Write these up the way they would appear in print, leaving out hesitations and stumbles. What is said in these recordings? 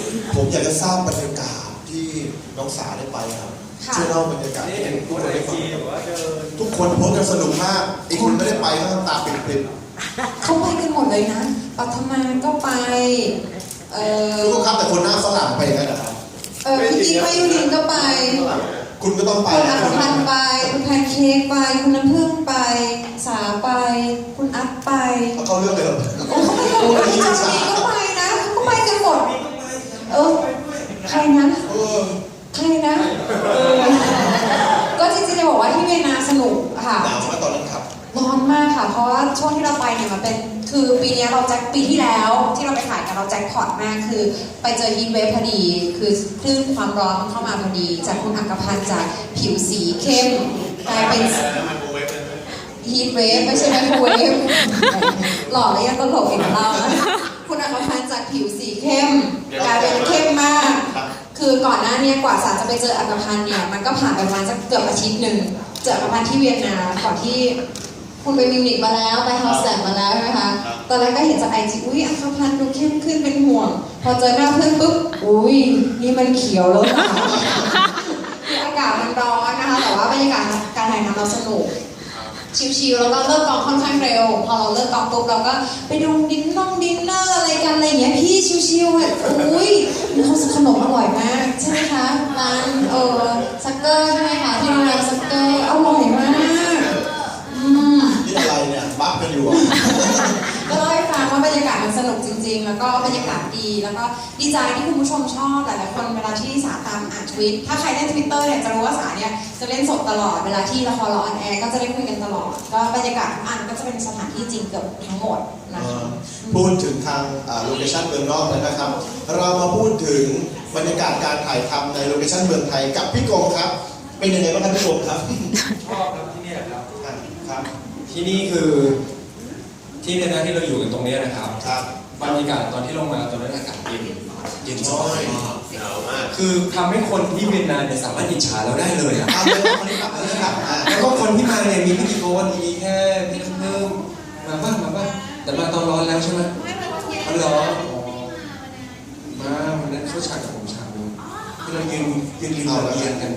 ผมอยากจะทราบบรรยากาศที่น้องสาได้ไปครับช่วยเล่าบรรยากาศให้ทุกคนได้ฟังทุกคนโพสต์กันสนุกมากอีกคนไม่ได้ไปก็ตาปิดๆเขาไปกันหมดเลยนะปัทมาก็ไปทุกครับแต่คนหน้าฝรั่งไปกันนะครับพี่กิ๊กมายุรินก็ไปคุณก็ต้องไปคุณอัครพันธ์ไปคุณแพนเค้กไปคุณน้ำผึ้งไปสาไปคุณอัพไปเขาเลือกเลยโอ้เขาไปกันหมดพี่จามีก็ไปนะเขาไปกันหมดใครนะใครนะก็จริงๆจะบอกว่าที่เวียนนาสนุกค่ะหนาวมากตอนนั้นครับร้อนมากค่ะเพราะว่าช่วงที่เราไปเนี่ยมันเป็นคือปีนี้เราแจ็คปีที่แล้วที่เราไปถ่ายกันเราแจ็คพอตมากคือไปเจอฮีทเวฟพอดีคือคลื่นความร้อนมันเข้ามาพอดีจากคุณอัครพันธ์จากผิวสีเข้มกลายเป็นฮีทเวฟไม่ใช่ไมโครเวฟหล่อแล้วยังตลกอีกเรานะคุณอัครพันธ์จากผิวสีเข้มกลายเป็นเข้มมากคือก่อนหน้านี้กว่าสาจะไปเจออัครพันธ์เนี่ยมันก็ผ่านไปประมาณสักเกือบอาทิตย์หนึ่งเจออัครพันธ์ที่เวียนนาก่อนที่คุณไปมิวนิกมาแล้วไปเฮาส์แลนด์มาแล้วใช่ไหมคะตอนแรกก็เห็นจากIGอุ้ยอัครพันธ์ดูเข้มขึ้นเป็นห่วงพอเจอหน้าเพื่อนปุ๊บอุ้ยนี่มันเขียวแล้วค่ะคืออากาศมันร้อนนะคะแต่ว่าบรรยากาศการถ่ายทำเราสนุกชิลๆแล้วก็เลิกกองค่อนข้างเร็วพอเราเลิกกองปุ๊บเราก็ไปดูดินเนอร์อะไรกันอะไรอย่างเงี้ยพี่ชิลๆอ่ะอุ้ยเขาขนมอร่อยมากใช่ไหมคะร้านซักเกอร์ใช่ไหมคะที่โรงแรมซักเกอร์อร่อยมากนี่อะไรเนี่ยบัฟกันอยู่ก็เล่าให้ฟังว่าบรรยากาศมันสนุกจริงๆแล้วก็บรรยากาศดีแล้วก็ดีใจที่คุณผู้ชมชอบหลายๆคนเวลาที่สาตามอ่านทวิตถ้าใครเล่น Twitter เนี่ยจะรู้ว่าสาเนี่ยจะเล่นสดตลอดเวลาที่ละครเราออนแอร์ก็จะได้คุยกันตลอดก็บรรยากาศทุกอันก็จะเป็นสถานที่จริงเกือบทั้งหมดนะคะพูดถึงทางโลเคชั่นเมืองนอกเลยนะครับเรามาพูดถึงบรรยากาศการถ่ายทำในโลเคชั่นเมืองไทยกับพี่กงครับเป็นยังไงบ้างครับพี่กงครับชอบครับที่นี่ครับครับที่นี่คือที่เวียนนาที่เราอยู่กันตรงนี้นะครับบรรยากาศตอนที่ลงมาตอนนั้นอากาศเย็นสบายหนาวมากคือทำให้คนที่เวียนนาเนี่ยสามารถอิจฉาเราได้เลยอ่ะแล้วก็คนที่มาเนี่ยมีพี่โก้มีแค่พี่เพิ่มมาบ้างแต่มาตอนร้อนแล้วใช่ไหมมันร้อนมาวันนั้นเขาฉากกับผมฉากนึงที่เรายืนริมระเบียงกัน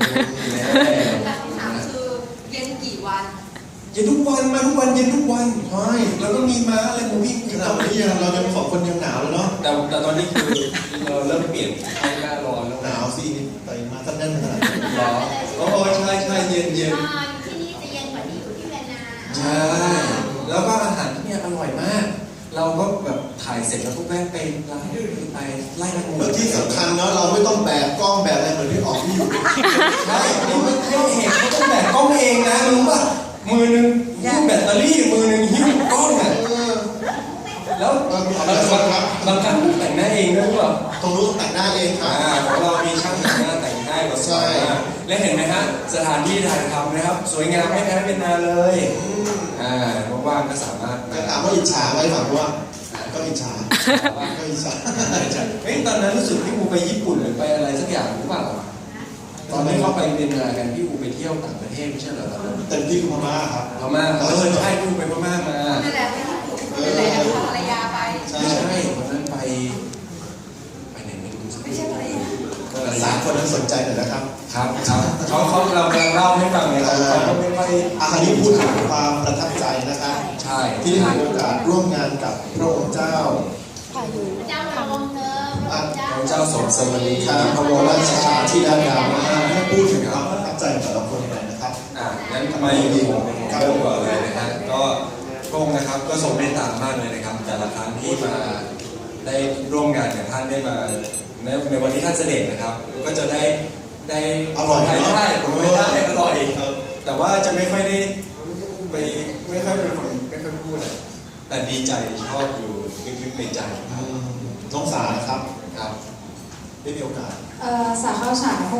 คือเย็นกี่วันเย็นทุกวันมาทุกวันเย็นทุกวันใช่แล้วก็มีม้าอะไรมาวิ่งขนาดนี้เราจะสองคนยังหนาวเลยเนาะแต่ตอนนี้คือเราเริ่มเปลี่ยนให้หน้าร้อนแล้วหนาวสิไปมาตั้งแน่นขนาดนี้ร้อนโอ้ใช่เย็นที่นี่จะเย็นกว่าที่อยู่ที่เวียนนาใช่แล้วก็อาหารที่นี่อร่อยมากเราก็แบบถ่ายเสร็จแล้วก็แวะไปร้านไปไล่กันหมดที่สำคัญเนาะเราไม่ต้องแบกกล้องแบกอะไรเหมือนที่ออกที่อยู่ใช่นี่ไม่เห็นเขาต้องแบกกล้องเองนะรู้ป่ะมือนึงหิ้วแบตเตอรี่มือนึงหิ้วกล้องอ่ะแล้วบางครั้งแต่งหน้าเองด้วยป่ะตรงนู้นแต่งหน้าเองครับของเรามีช่างแต่งหน้าแต่งให้เราใช่และเห็นไหมฮะสถานที่ถ่ายทำนะครับสวยงามไม่แพ้เวียนนาเลยว่างๆก็สามารถถามว่าอิจฉาไหมฝั่งว่าก็อิจฉาเฮ้ยตอนนั้นรู้สึกพี่อูไปญี่ปุ่นหรือไปอะไรสักอย่างหรือเปล่าตอนนี้เขาไปเวียนนากันพี่อูไปเที่ยวต่างประเทศไม่ใช่เหรอเต็มที่คือพม่าครับพม่าใช่พี่อูไปพม่ามานั่นแหละนั่นแหละภรรยาไปไม่ใช่คนนั้นไปไหนไม่รู้ไม่ใช่ภรรยาสามคนนั้นสนใจหน่อยนะครับครับเขาเรากำลังเล่าให้ฟังไงเขาไม่ค่อยอันนี้พูดถึงความประทับใจนะครับใช่ที่ได้มีโอกาสร่วมงานกับพระองค์เจ้าเจ้าสมสมณีครับพระบรมราชาที่ด้านดาวให้พูดถึงความประทับใจแต่ละคนหน่อยนะครับงั้นทำไมผมเริ่มก่อนเลยนะฮะก็พระองค์นะครับก็ทรงเมตตามากเลยนะครับแต่ละครั้งที่มาได้ร่วมงานกับท่านได้มาในวันที่ท่านเสด็จนะครับก็จะได้อร่อยได้ผมไม่ได้อร่อยแต่ว่าจะไม่ค่อยได้ไปไม่ค่อยเป็นคนไม่ค่อยพูดเลยแต่ดีใจชอบอยู่ลึกๆในใจน้องสาครับได้มีโอกาสสาเข้าฉาก